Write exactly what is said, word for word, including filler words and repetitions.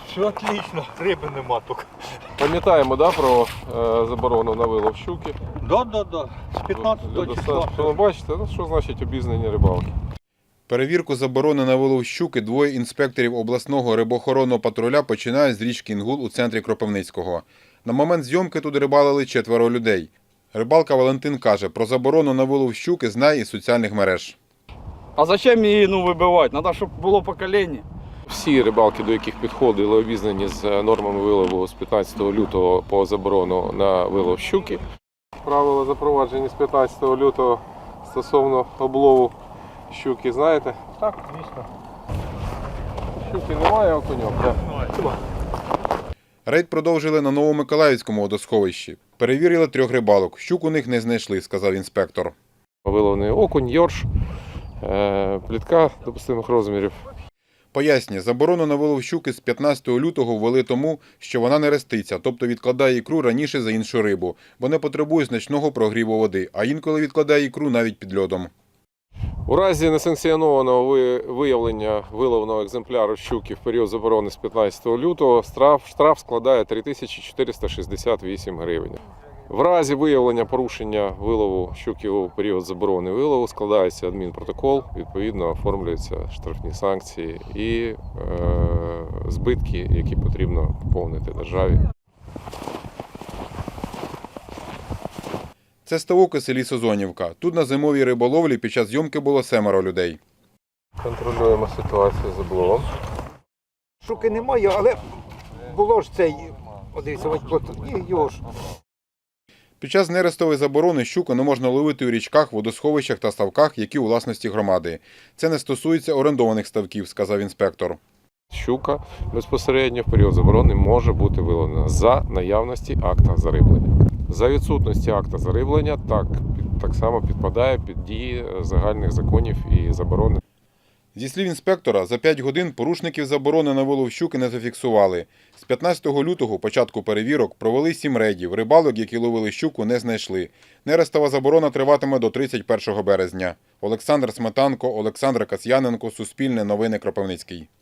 Все отлично, риби нема тут. Пам'ятаємо, да, про е, заборону на вилов щуки. Да, да, да. З п'ятнадцятого числа. Що ви бачите, ну, що значить обізнані рибалки. Перевірку заборони на вилов щуки двоє інспекторів обласного рибоохоронного патруля починають з річки Інгул у центрі Кропивницького. На момент зйомки тут рибалили четверо людей. Рибалка Валентин каже, про заборону на вилов щуки знає із соціальних мереж. А зачем її ну, вибивати? Треба, щоб було покоління. Всі рибалки, до яких підходили, обізнані з нормами вилову з п'ятнадцятого лютого по заборону на вилов щуки. Правила запроваджені з п'ятнадцятого лютого стосовно облову щуки, знаєте? Так, звісно. Щуки немає, окуньок. Немає. Рейд продовжили на Новомиколаївському водосховищі. Перевірили трьох рибалок. Щук у них не знайшли, сказав інспектор. Виловний окунь, йорш, плітка допустимих розмірів. Пояснює, заборону на вилов щуки з п'ятнадцятого лютого ввели тому, що вона не реститься, тобто відкладає ікру раніше за іншу рибу, бо не потребує значного прогріву води, а інколи відкладає ікру навіть під льодом. У разі несанкціонованого виявлення виловного екземпляру щуки в період заборони з п'ятнадцятого лютого штраф, штраф складає три тисячі чотириста шістдесят вісім гривень. В разі виявлення порушення вилову щуки у період заборони вилову складається адмінпротокол, відповідно оформлюються штрафні санкції і е, збитки, які потрібно поповнити державі. Це ставок у селі Созонівка. Тут на зимовій риболовлі під час зйомки було семеро людей. Контролюємо ситуацію з обловом. Шуки немає, але було ж цей, дивіться, ось плоту, і його ж. Під час нерестової заборони щуку не можна ловити у річках, водосховищах та ставках, які у власності громади. Це не стосується орендованих ставків, сказав інспектор. Щука безпосередньо в період заборони може бути виловлена за наявності акта зариблення. За відсутності акта зариблення так, так само підпадає під дії загальних законів і заборони. Зі слів інспектора, за п'ять годин порушників заборони на вилов щуки не зафіксували. З п'ятнадцятого лютого, початку перевірок, провели сім рейдів. Рибалок, які ловили щуку, не знайшли. Нерестова заборона триватиме до тридцять першого березня. Олександр Сметанко, Олександр Касьяненко, Суспільне новини, Кропивницький.